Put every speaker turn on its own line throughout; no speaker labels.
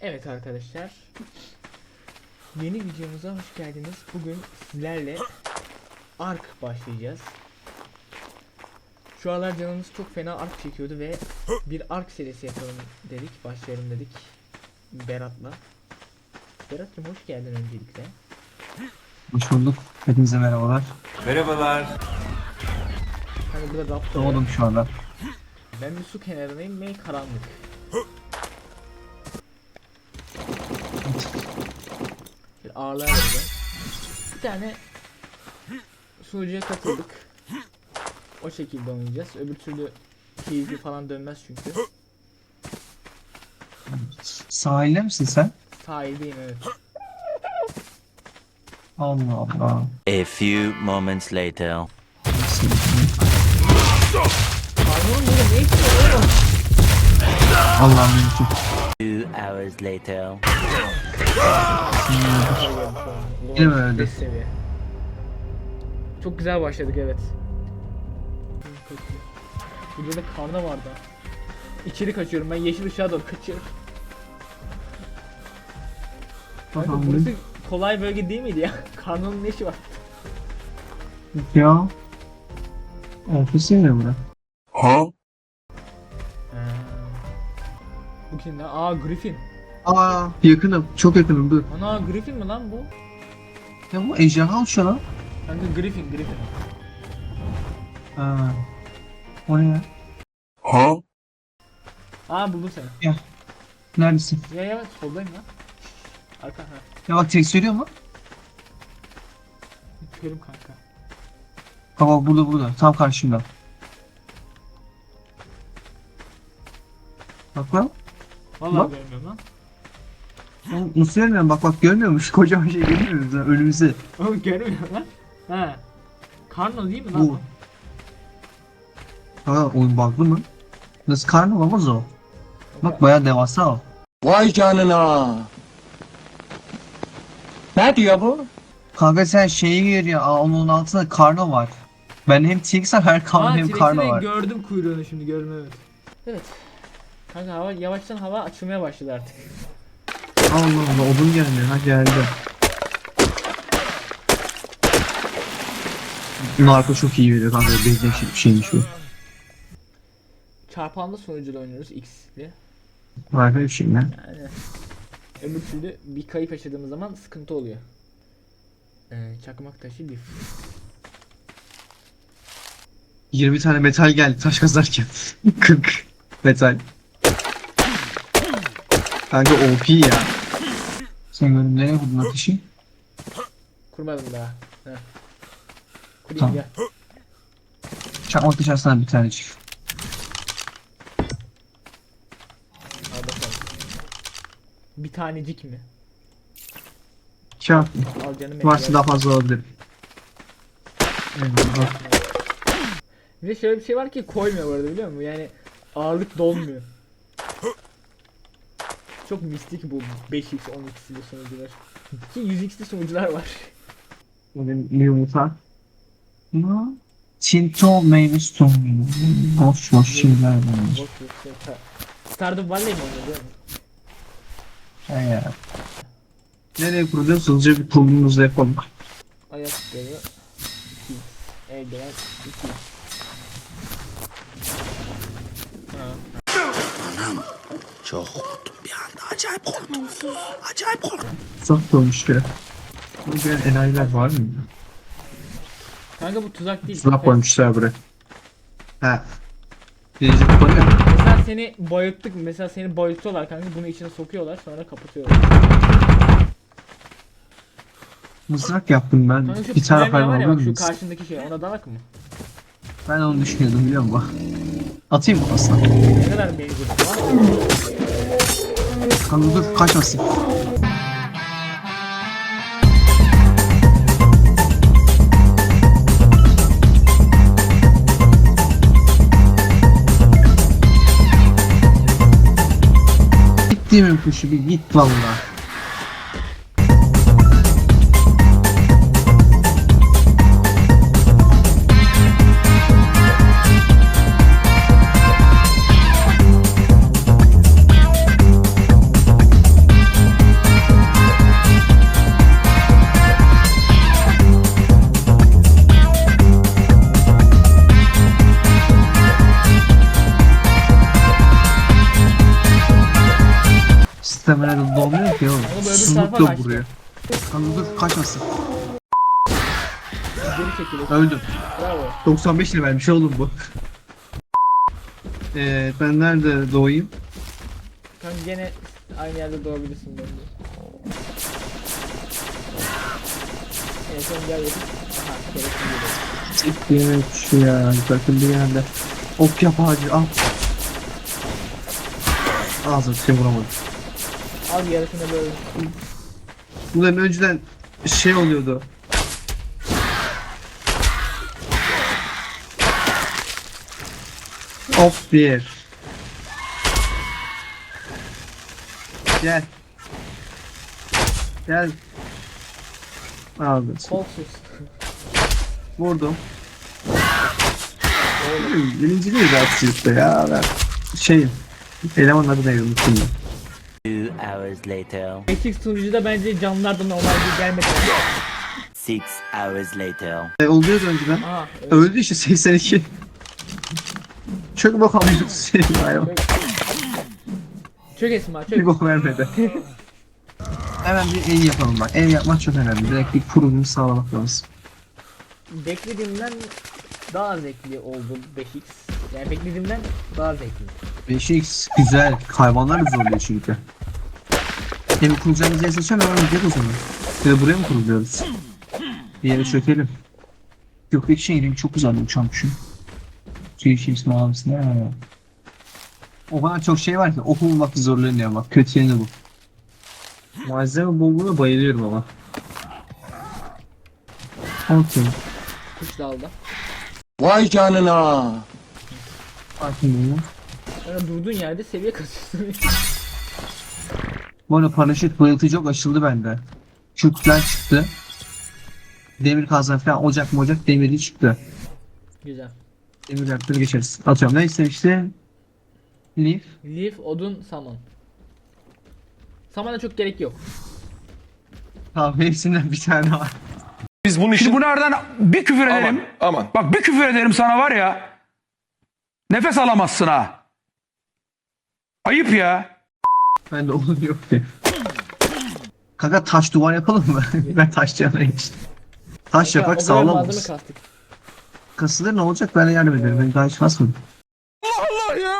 Evet arkadaşlar, yeni videomuza hoş geldiniz. Bugün sizlerle Ark başlayacağız. Şu aralar canımız çok fena Ark çekiyordu ve bir Ark serisi yapalım dedik, başlayalım dedik Berat'la. Berat'cığım hoş geldin öncelikle.
Hoş bulduk. Hepinize merhabalar.
Merhabalar.
Hani burada raptor.
Doğdum şu anda.
Ben bir su kenarındayım ve karanlık. Bir ağırlığa vereceğim. Bir tane sunucuya katıldık. O şekilde oynayacağız. Öbür türlü keyifli falan dönmez çünkü.
Sahilde misin sen?
Sahildeyim, evet.
Allah Allah.
A few moments later.
Pardon, ne istiyor?
Allah'ım mümkün.
2 hours later.
Yine mi öldü?
Beş seviye. Çok güzel başladık, evet. Burada da karna vardı. İçeri kaçıyorum, ben yeşil ışığa doğru kaçıyorum. Kanka
Tamam.
burası kolay bölge değil miydi ya? Karnının ne işi var?
Ya. Ofis mi bura?
Bu kim lan? Aa, Griffin.
Aa, yakınım. Çok yakınım. Dur.
Ana, Griffin mi lan bu?
Ya bu ejderha uçuyor lan.
Kanka Griffin.
Ha. O ne ya?
Aa, buldum seni.
Neredesin?
Ya soldayım lan. Arka ha.
Ya bak tek söylüyor mu?
Körüm kanka.
Baba burada. Tam karşımda. Bak lan.
Vallahi
Bak.
görmüyorum lan.
Oğlum, nasıl görmüyorum? Bak görmüyormuş. Kocaman şey görmüyoruz lan önümüzde.
Oğlum görmüyorum lan. He. Karno değil mi lan?
Bu. Ha, oyun bug'lı mı? Nasıl karnı olamaz o? Bak bayağı devasa o.
Vay canına. Ne diyor bu?
Kanka sen şeyi görüyor. Aa, onun altında karno var. Ben hem TX var hem karno hem karno
T-Rex'in
var.
gördüm kuyruğunu, şimdi gördüm, evet. Evet. Kanka yavaştan hava açılmaya başladı artık.
Allah Allah odun gelmiyor. Ha geldi. Narko çok iyi veriyor kanka. Bezden şeymiş bu.
Çarpanlı sunucuyla oynuyoruz, X'li.
Harika bir şey lan.
Yani öbür türlü bir kayıp yaşadığımız zaman sıkıntı oluyor. Çakmak taşı lif.
20 tane metal geldi taş kazarken. 40 metal. Kanka OP ya. Sen gördün nereye vurdun ateşi?
Kurmadım daha. Heh. Kurayım,
Tamam.
gel.
Çakmak dışarısından bir tane çık.
Al bakalım. Bir tanecik mi?
Çak.
Al canım benim.
Varsa daha fazla alabilirim. Eyvallah.
Bir de şöyle bir şey var ki koymuyor bu arada, biliyor musun? Yani ağırlık dolmuyor. Çok mistik bu 5x 10x'li sunucular. Ki 100x'li sunucular var.
Benim yumurta. Ne? Tinto meyve sonu. Boş şeyler var.
Boş bir şey. Stardew Valley mi oynuyor, değil mi?
He ya. Nereye kuracağız? Hızlıca bir kurulumuzu yapalım.
Ayakları 2x. Eldiven 2x.
Çok korktum bir anda. Acayip korktum.
Uzak olmuş ya. Burada gelen enayiler var mı?
Kanka bu tuzak değil.
Sınav koymuşlar buraya. He. Birinci kupa ne?
Mesela seni bayılttık. Mesela seni bayıltıyorlar kanka. Bunu içine sokuyorlar, sonra kapatıyorlar.
Mızrak yaptım ben.
Kanka şu
Bir tane
Premier var
hayvan
ya,
alır
bak şu
mısın?
karşındaki şey, ona dalak mı?
Ben onu düşünüyordum biliyor musun? Atayım mı aslında?
Ne kadar mevcut var?
Kanka dur kaçmasın. Gittiğimin kuşu bir git valla. stamina dolmuyor ki oğlum.
Ama böyle bir
Susuzluk
tarafa
da
kaçtı.
vuruyor. Kanka dur kaçmasın.
Geri çekilir.
Öldüm.
Bravo.
95 levelmiş oğlum bu. Ben nerede doğayım?
Kanka gene aynı yerde doğabilirsin bence. Evet sen gel yapıp. Aha gerekli geliyor.
Evet şu ya bakın bir yerde. Ok yap ağacı al. Ağzına bir şey vuramadım.
Al yarısını böyle.
Bunların önceden şey oluyordu. Of bir. Gel. Gel. Aldım.
Kolsuz.
Vurdum. Birinci değil rahatsızlıkta ya. Ben şeyim. Elemanın adı neydi unuttum ben.
2 hours later.
Matrix sunucuda bence canlılar da normalde gelmedi.
6 hours later.
Oluyordu önceden.
Aha. Evet.
Öldü işte 82. Çok bakalım şey hayvan.
Çök Esma
Bir
çök.
bok vermedi. Hemen bir ev yapalım bak. Ev yapmak çok önemli. Direkt bir kurulumu sağlamak lazım.
Beklediğimden daha zevkli oldu 5x. Yani beklediğimden daha zevkli.
5x güzel. Hayvanlar da zorluyor çünkü. Evi kuracağımız yeri seçelim hemen gidelim o zaman. Ya da buraya mı kuruluyoruz? Bir yere çökelim. Gökteki şehrin çok güzel bir uçakmışım. Tüy ismi almışsın ya. O kadar çok şey var ki okul bulmakta zorlanıyor bak. Kötü yanı bu. Malzeme bolluğuna bayılıyorum ama. Okey.
Kuş dalda.
Vay canına.
Bakın bunu.
Sonra durduğun yerde seviye kasıyorsun.
Bu arada paraşüt bayıltıcı çok açıldı bende. Kütler çıktı. Demir kazan falan ocak demiri çıktı.
Güzel.
Demir reaktörü geçeriz. Atıyorum neyse işte. Leaf.
Leaf, odun, saman. Samana çok gerek yok.
Tamam hepsinden bir tane var.
Biz bunun
Şimdi bunlardan bir küfür ederim.
Aman.
Bak bir küfür ederim sana var ya. Nefes alamazsın ha. Ayıp ya.
Bende onun yok ki. Kanka taş duvar yapalım mı? Ben taş yanına geçtim. Taş yapak
O kadar
sağlam
malzeme
olsun.
kastık.
Kasılır ne olacak ben de yardım ederim. Ben daha hiç kasmadım.
Allah ya.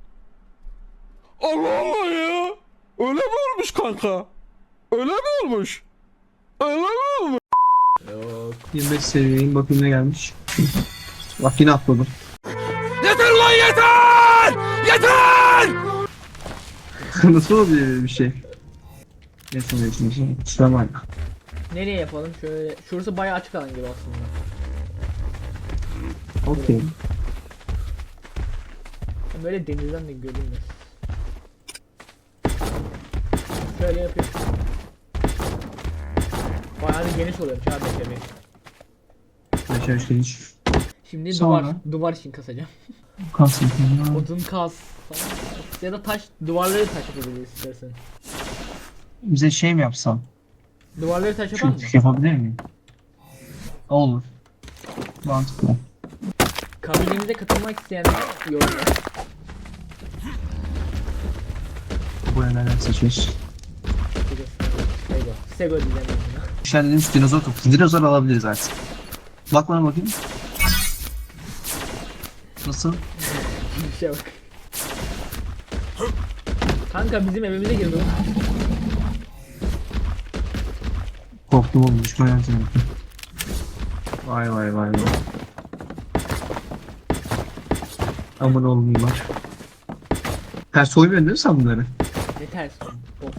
Allah Allah ya. Öyle mi olmuş kanka? Öyle mi olmuş? Öyle mi olmuş?
25 seviyeyim bakayım ne gelmiş. Bak yine atladım.
Yeter lan yeter! Yeter!
Nasıl oluyor böyle bir şey? Neyse. Şuraya
Nereye yapalım? Şöyle. Şurası bayağı açık alan gibi aslında.
okey.
Böyle denizden de görünmez. Şöyle yapıyorum. Bayağı da geniş oluyor abi tabii.
Yaşar işte hiç.
Şimdi
Sonra?
duvar için kasacağım.
Kalsın.
Odun kas falan. Ya da taş, duvarları taş yapabiliriz istersen.
Bize şey mi yapsam?
Duvarları taş yapar mı?
Çünkü yapabilir miyim? Olur. Mantıklı.
Kabinemize katılmak isteyenler yorumlar.
Buraya neler seçiyoruz?
Sego diyeceğim ben buna.
Şenlenmiş dinozor topu. Dinozor alabiliriz artık. Bak bana bakayım. Nasıl?
Bir şey bak. Kanka bizim evimize girdi o.
Korktum oğlum düşman yöntemi. Vay. Aman oğlum bunlar. Ters soymuyorsun değil mi sen bunları?
Ne ters bok.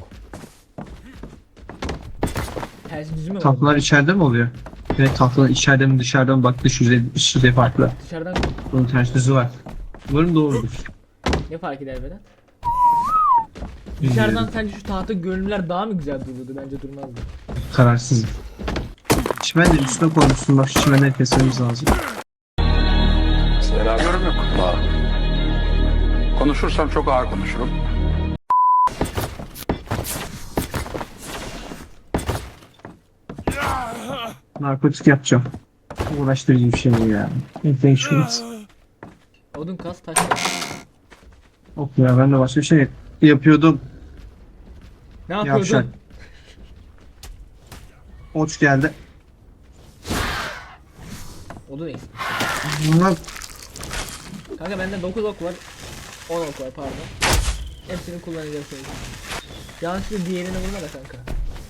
Ters düzü mü var?
Tahtalar içeride mi oluyor? Evet tahtalar içeride mi dışarıda mı bak dış yüzey farklı.
Dışarıdan
Bunun ters düzü var. Umarım doğrudur.
ne fark eder Vedat? Dışarıdan sence şu tahta görünümler daha mı güzel dururdu? Bence durmazdı.
Kararsızım. Çimen de üstüne koymuşsun bak şu çimenleri kesmemiz lazım.
Yorum yok. Konuşursam çok ağır konuşurum.
Narkotik yapacağım. Uğraştırıcı bir şey bu ya. Infections.
Odun kas taş kas.
Of ya ben de başka bir şey yapıyordum.
Ne yapıyordun?
Yavşak. Oç geldi.
O da neyse.
Bunlar
Kanka bende 9 ok var. 10 ok var pardon. Hepsini kullanacağım şimdi. Yanlışlıkla diğerine vurma da kanka.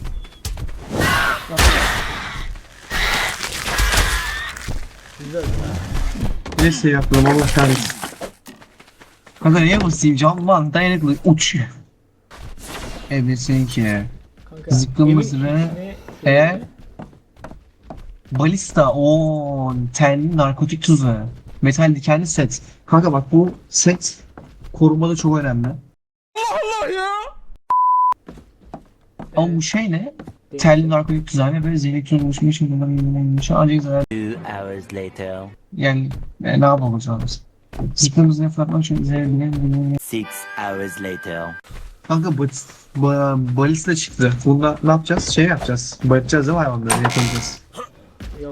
Güzel.
neyse yaptım Allah kahretsin. Kanka neye basayım? Canman dayanıklı uç. Evet seninki.
Kanka.
Zıkkımız
evin
ve
içine-
E? Balista o tenli narkotik tuzu. Metal dikenli set. Kanka bak bu set korumada çok önemli.
Allah ya.
Ama bu şey ne? Telli narkotik tuzağına böyle zehirli tuz oluşmuş. Ancak zarar.
2 hours later.
Yani ne yapacağız? Zıkkımız ne fırlatmak için zehirli.
6 hours later.
Kanka balista çıktı. Bunda ne yapacağız? Şey yapacağız. Bayatacağız değil mi hayvanları? Yapacağız.
Yok.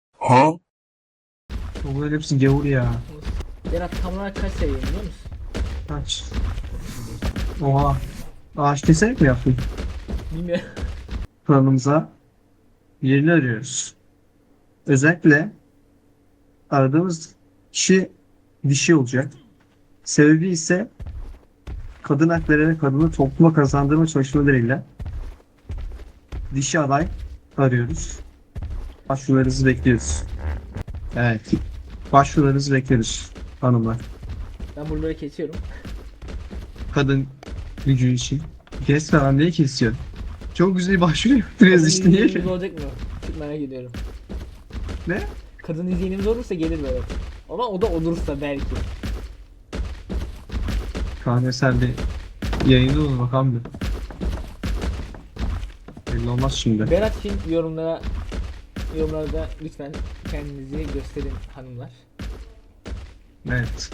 Bunların hepsi gavur ya.
Berat tam olarak kaç seviye biliyor musun?
Kaç? Oha. Ağaç keserek mi yaptın?
Bilmiyorum.
Planımıza yerini arıyoruz. Özellikle aradığımız kişi dişi olacak. Sebebi ise kadın hakları ve kadını topluma kazandırma çalışmalarıyla dişi aday arıyoruz. Başvurularınızı bekliyoruz. Evet. Başvurularınızı bekliyoruz hanımlar.
Ben buraları kesiyorum.
Kadın gücü için. Kesme lan niye kesiyorsun? Çok güzel başvuru yaptınız işte niye?
izleyenimiz olacak mı? Çok merak ediyorum.
Ne?
Kadın izleyenimiz olursa gelir Berat. Ama o da olursa belki.
Kahve sen bir yayında olur bakalım bir. Belli olmaz şimdi.
Berat için yorumlarda lütfen kendinizi gösterin hanımlar.
Evet.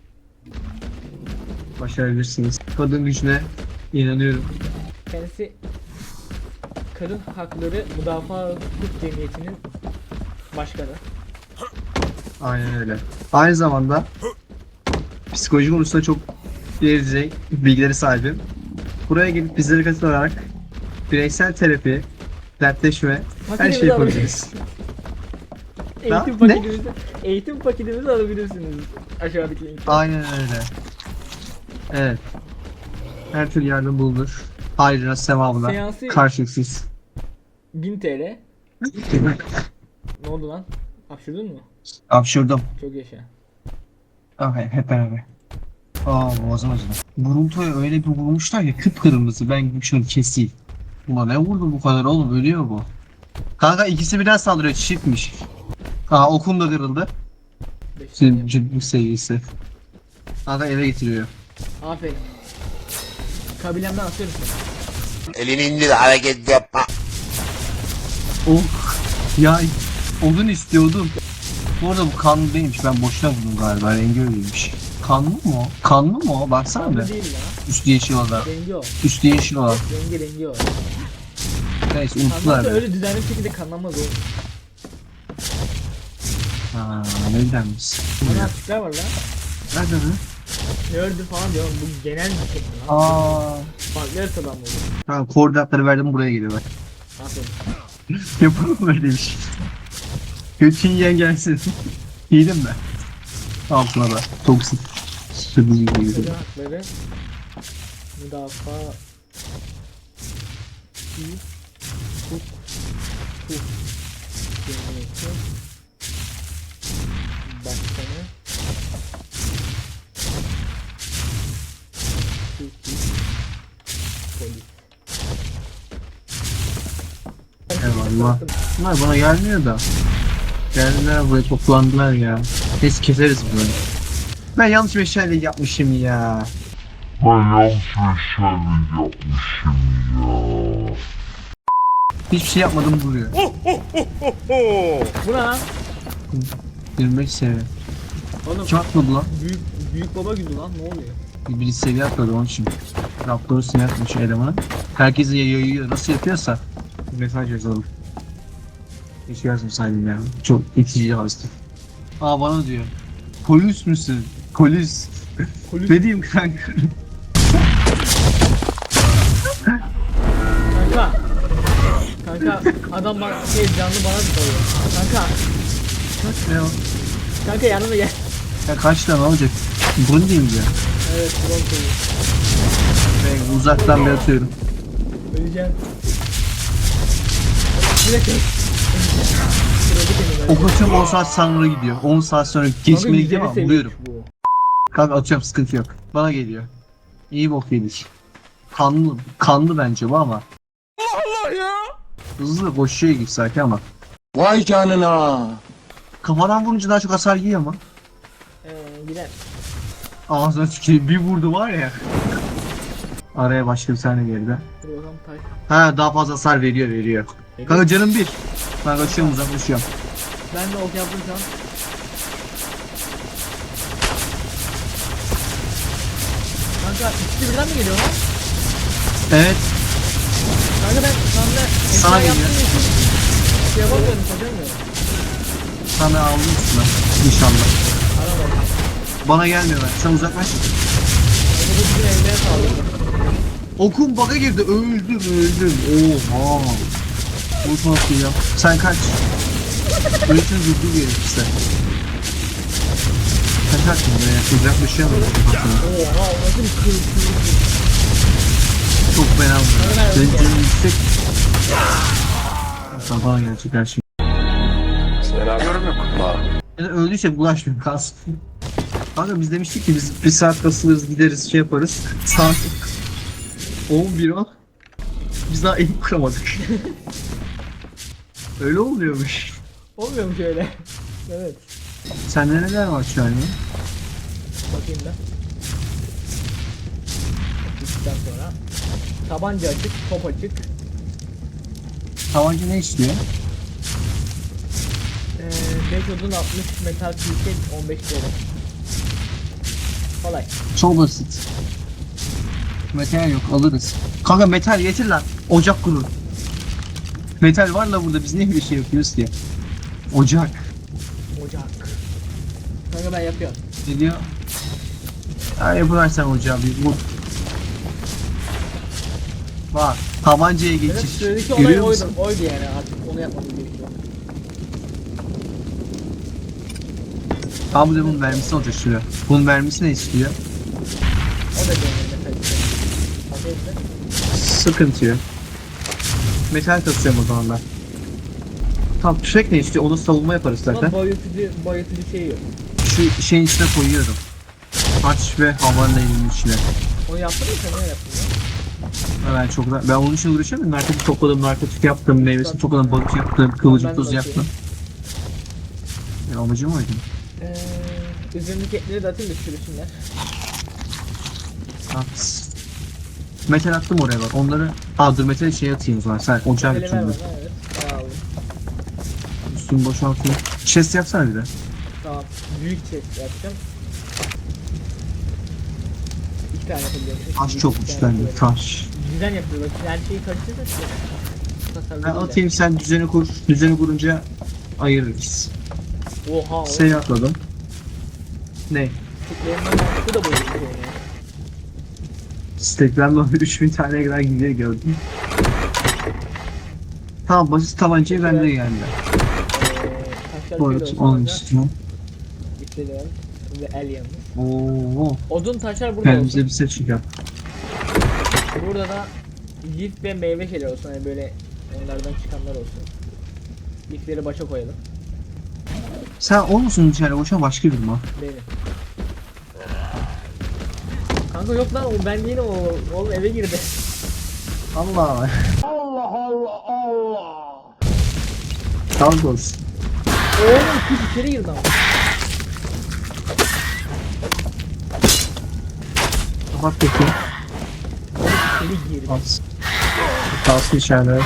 Başarabilirsiniz. Kadın gücüne inanıyorum.
Kendisi Kadın Hakları Müdafaa Hukuk Cemiyeti'nin başkanı.
Aynen öyle. Aynı zamanda psikoloji konusunda çok ileri bilgileri sahibim. Buraya gelip bizlere katılarak bireysel terapi, dertleşme, her şeyi yapabiliriz.
Eğitim
Ne?
paketimizi alabilirsiniz aşağıdaki linkten.
Aynen öyle. Evet. Her türlü yardım bulunur. Ayrıca sevabına
Seansı-
karşılıksız.
1000 TL. Ne oldu lan? Hapşırdın mı?
Hapşırdım.
Çok yaşa.
Okay, hep beraber. Boğazım acıdı. Grunto'ya öyle bir vurmuşlar ya kıpkırmızı. Ben şunu keseyim. Ulan ne vurdu bu kadar oğlum ölüyor bu. Kanka ikisi birden saldırıyor çiftmiş. Okum da kırıldı.
5 saniye.
Ciddi seviyesi. Kanka eve getiriyor.
Aferin. Kabilemden atıyorum seni.
Elini indir hareket yapma.
Oh. Ya odun istiyordum. Bu arada bu kanlı değilmiş. Ben boşuna buldum galiba. Rengi öyleymiş. Kanlı mı o? Kanlı mı o? Baksana
Kanlı
be.
değil ya.
Üstü yeşil olan.
Rengi o.
Üstü yeşil olan.
Rengi o.
Neyse unuttular
Kanlı
be.
öyle düzenli bir şekilde kanlanmaz oğlum.
Nedenmiş?
Bana açıklar var lan.
Nerede lan?
Nerd'ü falan diyorum. Bu genel bir şey lan. Farklı haritadan mı olur?
Tamam koordinatları verdim buraya geliyorlar.
Aferin.
Yapalım böyle bir şey. Götün yiyen gelsin. Yedim mi? Altına da. Toksik. Sıkıcı gibi.
Kadın Hakları Müdafaa Hukuk Cemiyeti Başkanı Türkiye Polis.
Eyvallah. Bunlar bana gelmiyor da. Geldiler buraya toplandılar ya. Neyse keseriz bunu. Ben yanlış bir şeyler yapmışım ya. Hiçbir şey yapmadım buraya.
Bu ne lan?
25 seviye.
Oğlum
Kim atmadı lan?
büyük baba günü lan, ne oluyor?
Biri seviye atladı onun için. Raptor'u sinir atmış elemanı. Herkese yayıyor. Nasıl yapıyorsa. Mesaj yazalım. Hiç yazmasaydım ya. Çok itici yazdı. Bana diyor. Polis misin? Polis.
Polis.
Ne diyeyim kanka?
Adam bana canlı bana dalıyor. Kanka.
Ne o?
Kanka yanıma gel.
Ya kaç tane olacak? Bunu diyeyim ya.
Evet drone koyuyor.
Ben uzaktan bir atıyorum.
Öleceğim. Direkt öl. Kırıldı kendimi.
Ok atıyorum 10 saat sonra gidiyor. 10 saat sonra geçmeli gidiyor ama vuruyorum.
Bu.
Kanka atıyorum sıkıntı yok. Bana geliyor. İyi bok yedik. Kanlı bence bu ama.
Allah ya.
Hızlı koşuyor gibi sanki ama.
Vay canına.
Kafadan vurunca daha çok hasar yiyor ama.
Gider.
Ağzına tükürüyor. Bir vurdu var ya. Araya başka bir tane geldi.
Dur bakalım taş.
Ha daha fazla hasar veriyor. Kanka canım bir. Ben kaçıyorum uzaklaşıyorum.
Ben de ok yaptım şu an. Kanka ikisi birden mi geliyor lan?
Evet.
Kanka ben şu anda
Sana
esra
geliyor.
yaptığım için şey yapamıyorum, çözemiyorum.
Sana aldım üstüne. İnşallah.
Aramadım.
Bana gelmiyor ben. Sen uzaklaş.
Onu da bizim evlere sağlıyorum.
Okum bug'a girdi. Öldüm. Oha. Bu nasıl ya? Sen kaç. Öğretim durduğu gerekirse. Kaçarsın buraya. Uzaklaşıyor mu?
Oha o nasıl bir kırık.
Çok fena bu.
Öyle
Senin
mi?
canın yüksek. Sabah gelecek her şey. Yani öldüyse bulaşmıyor kalsın. Kanka biz demiştik ki biz bir saat kasılırız gideriz şey yaparız. Saat 11 o. Biz daha elim kuramadık. Öyle oluyormuş.
Olmuyor mu şöyle? Evet.
Sende neler var şu an ya?
Bakayım ben. Bittikten sonra. Tabanca açık, top açık.
Tabanca ne istiyor?
5 odun 60 metal külçe 15 TL. Kolay.
Çok basit. Metal yok alırız. Kanka metal getir lan. Ocak kurur. Metal var la burada biz niye bir şey yapıyoruz ki? Ocak.
Ocak. Kanka ben yapıyorum.
Ne diyor? Ya yapıversen ocağı bir vur. Bak tabancaya
Evet,
geçiş.
sıradaki olay
Görüyor
oydu.
musun?
Oydu yani artık onu yapmamız gerekiyor.
Abi de bunun vermesi olacak şuraya. Bunun vermesi ne istiyor?
O da benim metal külçe. Bakayım da.
Sıkıntı yok. Metal kasıyorum o zaman ben. Tamam tüfek ne istiyor? Onu savunma yaparız zaten.
Ama bayıltıcı şey yok.
Şu şeyin içine koyuyorum. Haç ve havanın elinin içine.
Onu yaptın mı sen ne yaptın ya?
Ben çok ben onun için uğraşıyorum. Narkotik topladım, narkotik yaptım, meyvesini topladım, balık yaptım, kıvılcım
Ben de
tozu
bakayım.
yaptım. Ya amacım oydu.
Üzerindeki etleri de atayım da çürüsünler.
At. Metal attım oraya bak. Onları... Aa dur metal şey atayım o zaman. Sen ocağa
Elime
götürdün.
ver evet. Sağ olun.
Üstünü boşaltayım. Chest yapsana bir de.
Tamam. Büyük chest yapacağım. 2 tane yapabiliyorum.
Taş çok güçlendi. Taş.
Düzen yapıyor bak. Her şeyi karıştırırsak işte. Tasarlı
Ben
değil
atayım sen düzeni kur. Düzeni kurunca ayırırız.
yani. Oha o.
Şey atladım. Ne?
Tıklarından mantıklı da böyle bir şey yani.
Steklerle 3000 tane kadar gidiyor gördüm. Tamam basit tabancayı bende geldi.
Taşlar
Bu
şöyle
arada
olsun
onun
kanka.
üstüne.
İşte ve el yanmış.
Oo.
Odun taşlar burada
Kendimize
olsun.
bir set çıkar.
Burada da lif ve meyve şeyler olsun. Hani böyle onlardan çıkanlar olsun. Lifleri başa koyalım.
Sen o musun içeri boşa başka bir mi?
Benim. Kanka yok lan o ben değilim o. Oğlum eve girdi.
Allah. Allah. Sağlık olsun.
Oğlum kuş içeri girdi ama.
Kapat peki.
İçeri girdi.
At. Kalsın içeride.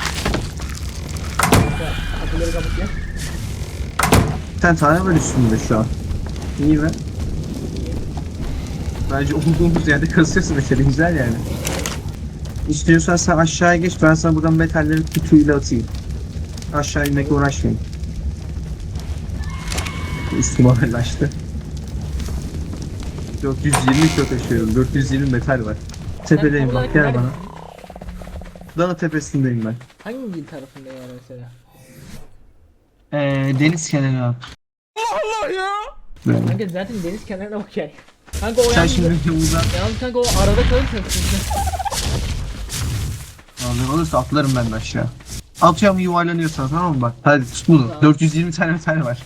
Kapıları kapat ya.
Bir tane var üstünde şu an. İyi mi? Bence olduğumuz yerde kasıyorsun mesela güzel yani. İstiyorsan sen aşağıya geç ben sana buradan metalleri kütüğüyle atayım. Aşağı inmekle uğraşmayayım. Üstüme ağırlaştı. 420 kilo taşıyorum. 420 metal var. Tepedeyim bak gel bana. Dağ tepesindeyim ben.
Hangi tarafında yani mesela?
Deniz kenarı abi.
Allah ya.
Böyle.
Kanka zaten deniz kenarına okey. Kanka o
Sen
yalnız,
şimdi buradan
yalnız kanka o arada kalırsa sıkıntı.
alır olursa atlarım ben de aşağı. Atıyorum yuvarlanıyorsan tamam mı bak. Hadi tut bunu.
Tamam.
420 tane metal var.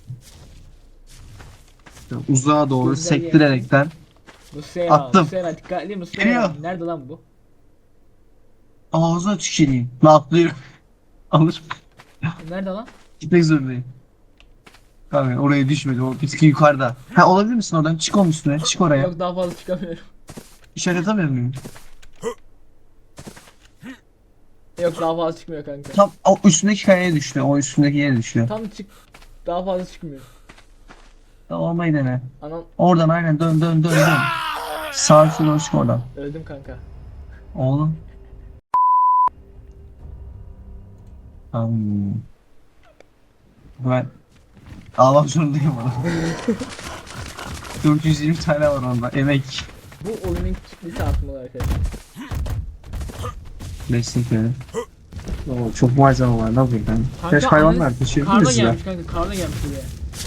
Uzağa doğru
Güzel
sektirerekten
Muslera,
Attım.
Muslera dikkatli Muslera.
Geliyor.
Nerede lan bu?
ağzına tüküreyim. Ne atlıyorum. Alır.
Nerede lan?
Gitmek zorundayım. Abi oraya düşmedi. O bitki yukarıda. Ha olabilir misin oradan? Çık onun üstüne. Çık oraya.
Yok daha fazla çıkamıyorum.
İşaret atamıyor muyum?
Yok daha fazla çıkmıyor kanka.
Tam o üstündeki kayaya düştü. O üstündeki yere düştü.
Tam çık. Daha fazla çıkmıyor.
Olmayı dene.
Anam
Oradan aynen dön dön dön dön. Sağ üstüne doğru çık oradan.
öldüm kanka.
Oğlum. Hmm. Ben almak zorundayım onu. 420 tane var onda. Emek.
Bu oyunun kitlesi artmalı arkadaşlar.
Kesinlikle. Oo, çok malzeme var. Ne yapayım ben? Kaç hayvanlar teşekkür
Karda
ederiz ya.
gelmiş kanka, karda gelmiş buraya.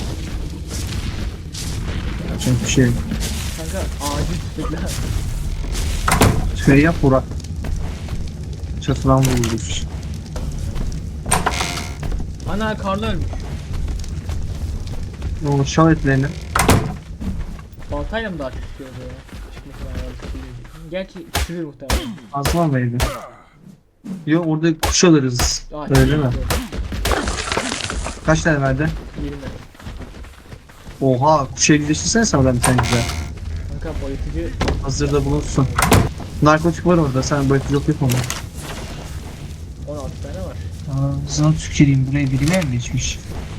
Çok bir şey.
Kanka acil tüfekler.
Şey yap Burak. Çatıdan vurulmuş.
Ana karda ölmüş.
O şal etlerini.
Baltayla mı daha çok çıkıyordu ya? Çıkmasına lazım. Gerçi küçülür muhtemelen.
Aslan mıydı? Yok orada kuş alırız. Öyle mi? Kaç tane verdi?
20.
Oha kuşa güzelleştirsene sana ben bir tane güzel.
Kanka boyatıcı
Hazırda bulunsun. Narkotik var orada sen boyatıcı yok onu.
16 tane var.
Ağzına tüküreyim buraya biri mi yerleşmiş?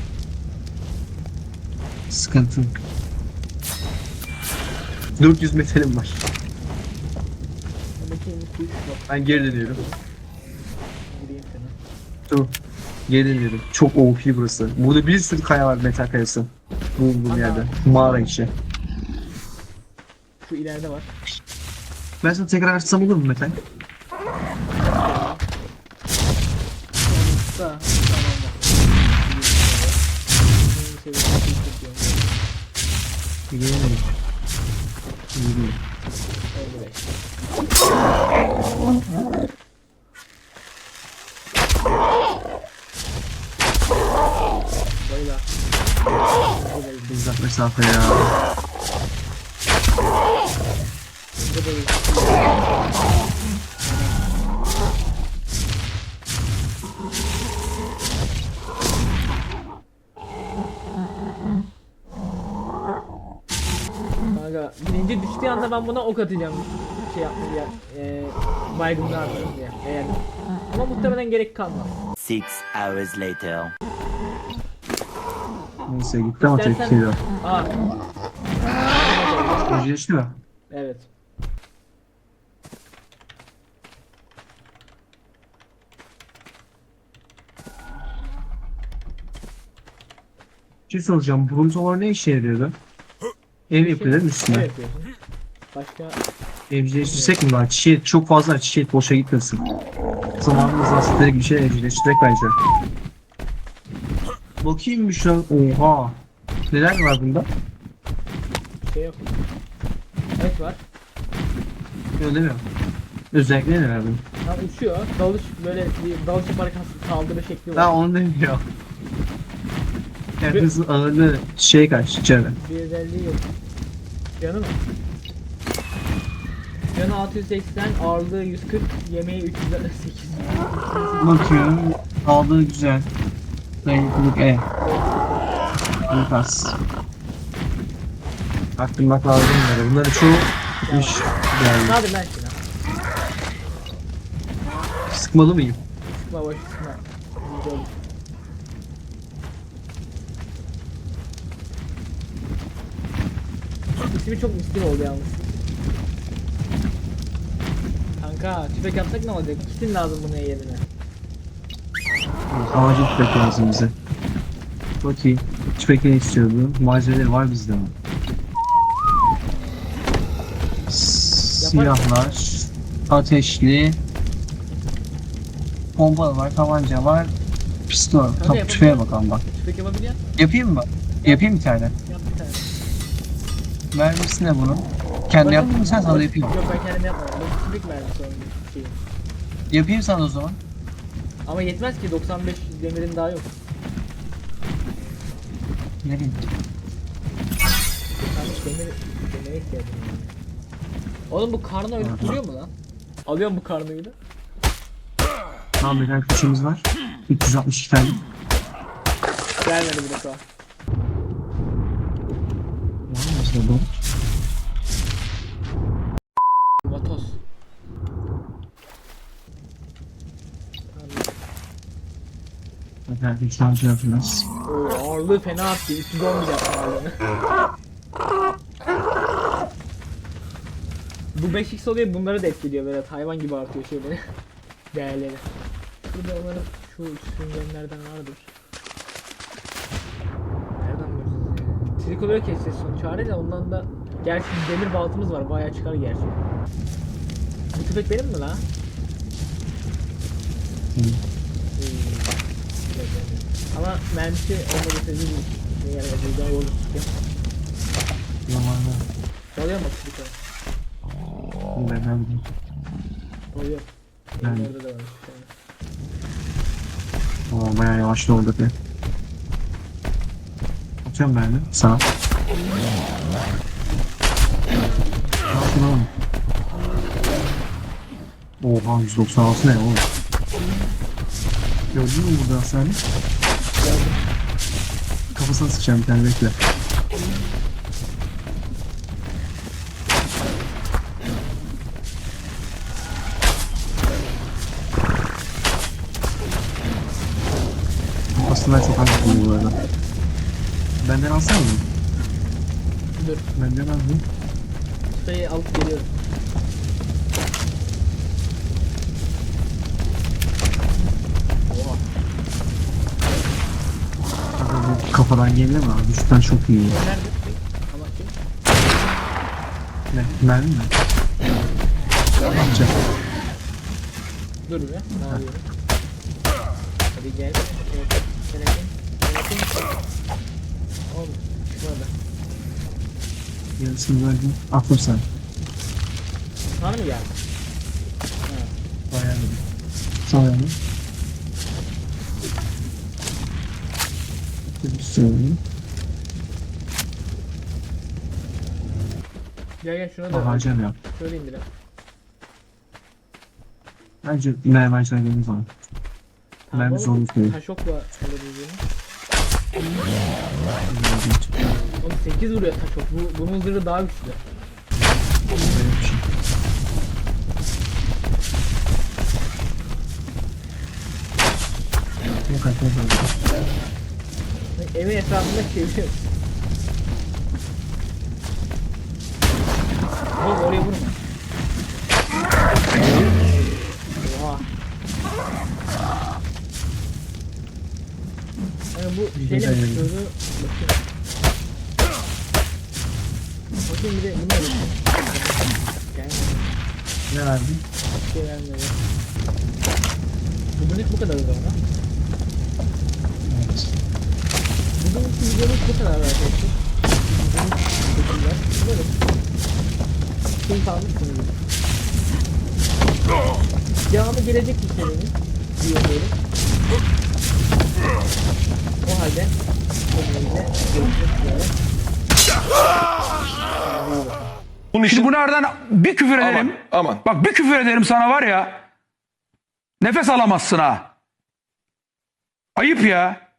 Sıkıntı. 400 metalim var.
Buradaki en kuş bak
Ben geri dönüyorum.
gireyim sana.
Dur. Geri dönüyorum. Çok OP burası. Burada bir sürü kaya var metal kayası. Bu yerde. Mağara içi.
Şu ileride var.
Ben sana tekrar açsam olur mu metal?
Sağ. Tamam bak.
Gelemedim. Yürü.
55. Bayla.
Uzak mesafe ya.
Kanka birinci düştüğü anda ben buna ok atacağım. Şey yapma diye. Baygınlığı atarım diye. Eğer. Ama muhtemelen gerek kalmaz.
6 hours later.
Neyse gitti ama
İstersen-
tepkiyle.
Aa.
Öceleşti mi?
Evet.
Bir şey soracağım. Bruntolar ne işe yarıyordu? Ev yapıyorlar mı üstüne?
Ne yapıyorsun? Başka
Evcilleştirsek mi lan? Çiçeği çok fazla çiçeği boşa gitmesin. Zamanımız aslında bir şey evcilleştirek bence. Bakayım bir şu an. Oha. Neler var bunda?
şey yok. Evet var.
Öyle mi? Özellikle neler bunun?
Ha uçuyor. Dalış böyle bir dalış yaparak saldırı şekli var.
Ha onu demiyor. Herkesin ağırlığı şey kaç içeride.
Bir özelliği yok. Canı mı? Canı 680, ağırlığı 140, yemeği 368.
Bakıyorum. Aldığı güzel. Dayanıklılık E. Ankas. Aklımda lazım bunları. Bunları çoğu iş
Ne
geldi.
yapayım ben şimdi?
Sıkmalı mıyım?
Sıkma boş sıkma. Güzel olur. İsmi çok miskin oldu yalnız. Kanka tüfek yapsak ne olacak? İkisinin lazım bunun yerine.
Acil tüfek lazım bize. Bakayım. Tüfek ne istiyordu? Malzemeleri var bizde mi? Silahlar. Ateşli. Pompa var, tabanca var, pistol.
yapalım.
Top tüfeğe bakalım bak.
Tüfek yapabiliyor musun?
Yapayım mı? Yapayım bir tane.
Yap bir tane.
Mermisi ne bunun? Kendi yaptın mı sen, sana da yapayım.
Yok ben kendim yapmadım. Bu tüfek mermisi onun şeyi.
Yapayım sana o zaman.
Ama yetmez ki 95 demirin daha yok.
Ne bileyim.
Demire ihtiyacım var. Oğlum bu karnı öyle duruyor mu lan? Alıyorum bu karnıyı da.
Tamam, bir tane kuşumuz var. 362 tane.
Gelmedi bir defa.
Var mı mesela bu?
Vatos.
Hadi bir tane şey yapacağız.
Oo, ağırlığı fena attı. 310 bile yaptı ağırlığını. Bu 5x oluyor, bunları da etkiliyor böyle hayvan gibi artıyor şeyleri. Değerleri. Burada onların şu süngenlerden vardır. Nereden bulacağız ya? Trikolore keseceğiz sonuç hali de ondan da gerçi demir baltımız var, bayağı çıkar gerçi. Bu tüfek benim mi la? Ama mermisi olmadı sözü değil. Ne yani buradan yolu tutuyor.
Zamanla.
Çalıyor mu trikolore?
Ben
Oluyor.
Ben-
Benim orada da varmış bir tane.
bayağı yavaş oldu be. Atıyorum ben de. Sağ. Ne yaptın oğlum? Oha, 196 ne oğlum? Gördün mü burada hasarı? Kafasına sıçacağım bir tane, bekle. Aslında çok az bu arada. Benden alsana mı?
Dur.
Benden al mı?
Ustayı alıp geliyorum. Oha.
Bu kafadan geliyor mu abi? Düşükten çok iyi.
Nerede? Ama kim?
Ne? Mermi mi? Yapacak.
Dur be. Ne yapıyorum? Hadi gel. Evet. Telekin. Oğlum. Şurada.
Yarısını verdim. Aklım sen.
Sana mı geldi? Ha.
Bayağı iyi. Sağ yanı. Bir söyleyeyim.
Gel şuna da.
Bahacem yap.
Şöyle indirelim.
Bence mermerciler geldiği zaman.
Tamam,
Mermi zorluk değil.
Taşokla alabileceğini. Oğlum 8 vuruyor taşok. Bunun zırhı daha güçlü.
Böyle bir şey. Yok arkadaşlar.
Evin etrafında çeviriyoruz. Oğlum oraya vurma. Oha. Yani bu
Bir
şeyle
de
mi
yani.
çıkıyordu? Bakayım. Bakayım bir de bunu da bakayım. Gelmedi.
Ne verdin?
Bir şey gelmedi. Bugünlük bu kadar o zaman.
Evet.
Bugünkü videomuz bu kadar arkadaşlar. Teşekkürler. Umarım keyif almışsınızdır. Devamı gelecek bir serinin diyorum. O halde kendinize görüşmek üzere.
Bunun
Şimdi
için
bunlardan bir küfür ederim.
aman.
Bak bir küfür ederim sana var ya. Nefes alamazsın ha. Ayıp ya.